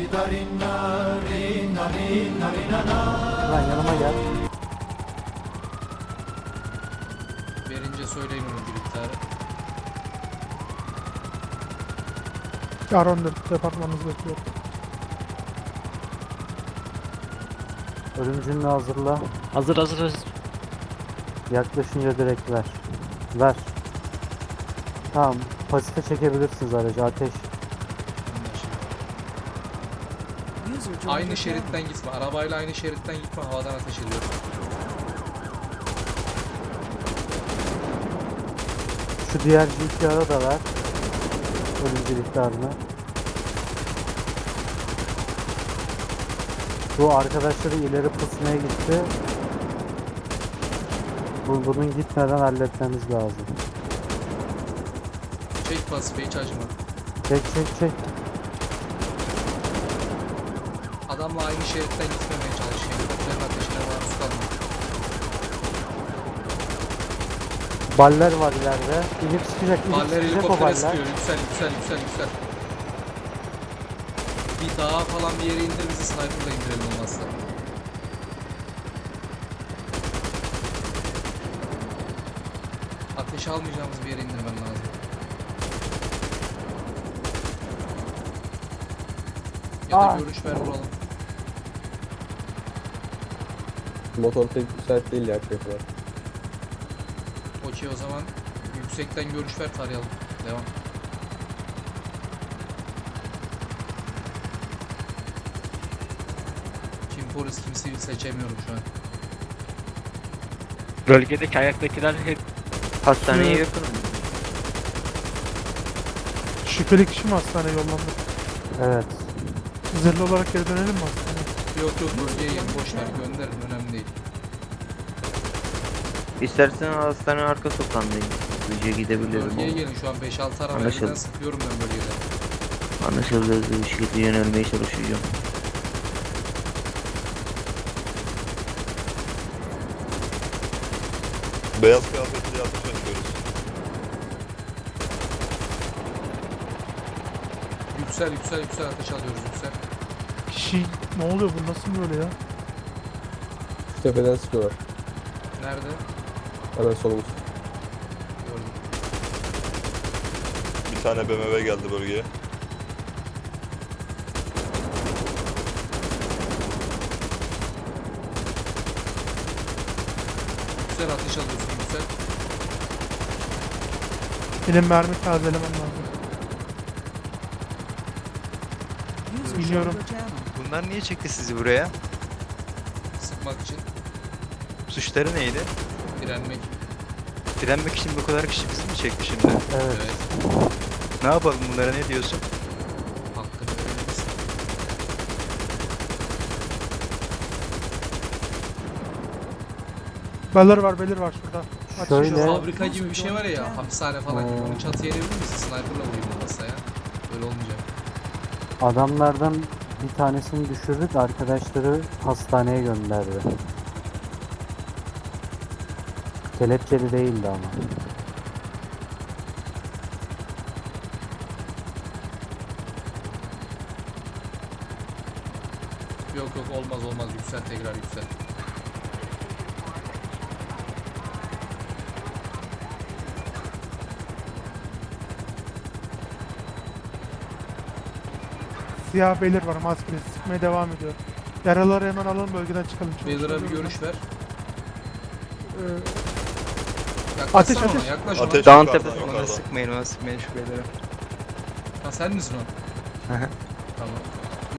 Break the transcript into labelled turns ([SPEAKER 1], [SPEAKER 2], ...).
[SPEAKER 1] Lan yanıma gel.
[SPEAKER 2] Verince söyleyin onu bir miktarı.
[SPEAKER 3] Aron departmanınızda bekliyor.
[SPEAKER 1] Ölümcününü hazırla.
[SPEAKER 4] Hazır.
[SPEAKER 1] Yaklaşınca direkt ver. Ver. Tamam. Pasife çekebilirsiniz aracı. Ateş.
[SPEAKER 2] Aynı şeritten gitme. Arabayla aynı şeritten gitme. Havadan ateş ediyor.
[SPEAKER 1] Şu diğer GTR'a da ver. Ölümcül ihtarını. Bu arkadaşları ileri pusmaya gitti. Bunun gitmeden halletmemiz lazım.
[SPEAKER 2] Çek pasife hiç acıma.
[SPEAKER 1] Çek.
[SPEAKER 2] Adamla aynı şeritten gitmemeye çalış. Helikopterin ateşine maruz kalma.
[SPEAKER 1] Baller var ileride. İnip sıkacak
[SPEAKER 2] Baller
[SPEAKER 1] o
[SPEAKER 2] helikoptere
[SPEAKER 1] baller.
[SPEAKER 2] sıkıyor. Yüksel. Bir dağa falan bir yere indir, bizi sniper'la indirelim olmazsa. Ateş almayacağımız bir yere indirmem lazım. Ya da görüş ver vuralım.
[SPEAKER 5] Motor pek müsait değil ya köprüler.
[SPEAKER 2] Okey o zaman yüksekten görüş ver, tarayalım. Devam. Kim polis kim sivil seçemiyorum şu an.
[SPEAKER 4] Bölgedeki ayaktakiler hep hastaneye
[SPEAKER 3] Evet.
[SPEAKER 4] yakın.
[SPEAKER 3] Şüpheli kişi mi hastaneye yollandı?
[SPEAKER 1] Evet.
[SPEAKER 3] Zırhlı olarak geri dönelim mi hastaneye?
[SPEAKER 2] Yok bölgeye yeni boş ver, gönderin, önemli değil.
[SPEAKER 6] İstersen hastane arka sokağındayım. Hızlıca gidebilirim.
[SPEAKER 2] Bölgeye gelin, şu an 5-6 araba
[SPEAKER 6] Anlaşıldı.
[SPEAKER 2] elden sıkıyorum ben bölgede.
[SPEAKER 6] Anlaşıldı, hızlı bir şekilde yönelmeye çalışacağım.
[SPEAKER 7] Beyaz kıyafetli ateş açıyoruz.
[SPEAKER 2] Yüksel ateş alıyoruz, yüksel.
[SPEAKER 3] Kişi ne oluyor bu nasıl böyle ya?
[SPEAKER 5] Şu tepeden sıkıyorlar.
[SPEAKER 2] Nerede?
[SPEAKER 5] Hemen solumuz.
[SPEAKER 2] Gördüm.
[SPEAKER 7] Bir tane BMW geldi bölgeye.
[SPEAKER 2] Yüksel ateş alıyorsun, yüksel.
[SPEAKER 3] Benim mermi tazelemem lazım. Biliyorum.
[SPEAKER 8] Bunlar niye çekti sizi buraya?
[SPEAKER 2] Sıkmak için,
[SPEAKER 8] Suçları neydi?
[SPEAKER 2] direnmek.
[SPEAKER 8] Direnmek için bu kadar kişi bizi mi çekti şimdi?
[SPEAKER 1] Evet.
[SPEAKER 2] Evet.
[SPEAKER 8] Ne yapalım bunlara, ne diyorsun?
[SPEAKER 2] Hakkını verebilirsin.
[SPEAKER 3] Belir var şurada.
[SPEAKER 1] Şöyle.
[SPEAKER 2] Şu fabrika gibi bir şey var ya, hapishane falan gibi. Onu çatıya edebilir misin? Sniper'la vurayım olmazsa ya. Öyle olmayacak.
[SPEAKER 1] Adamlardan bir tanesini düşürdük. Arkadaşları hastaneye gönderdi. Kelepçeli değildi ama.
[SPEAKER 2] Yok olmaz, yüksel, tekrar yüksel.
[SPEAKER 3] Siyah belir var maskeli sıkmaya devam ediyor. Yaraları hemen alalım bölgeden çıkalım.
[SPEAKER 2] Baylor'a bir görüş ver.
[SPEAKER 3] Ee,
[SPEAKER 2] Yaklaşsana
[SPEAKER 3] Ateş.
[SPEAKER 2] ona, yaklaş ona.
[SPEAKER 7] Ateş
[SPEAKER 8] Dağın
[SPEAKER 7] yukarıdan,
[SPEAKER 8] tepesi,
[SPEAKER 7] yukarıdan.
[SPEAKER 8] ona sıkmayın şu beylere.
[SPEAKER 2] Ha sen misin o?
[SPEAKER 8] Hı hı.
[SPEAKER 2] Tamam.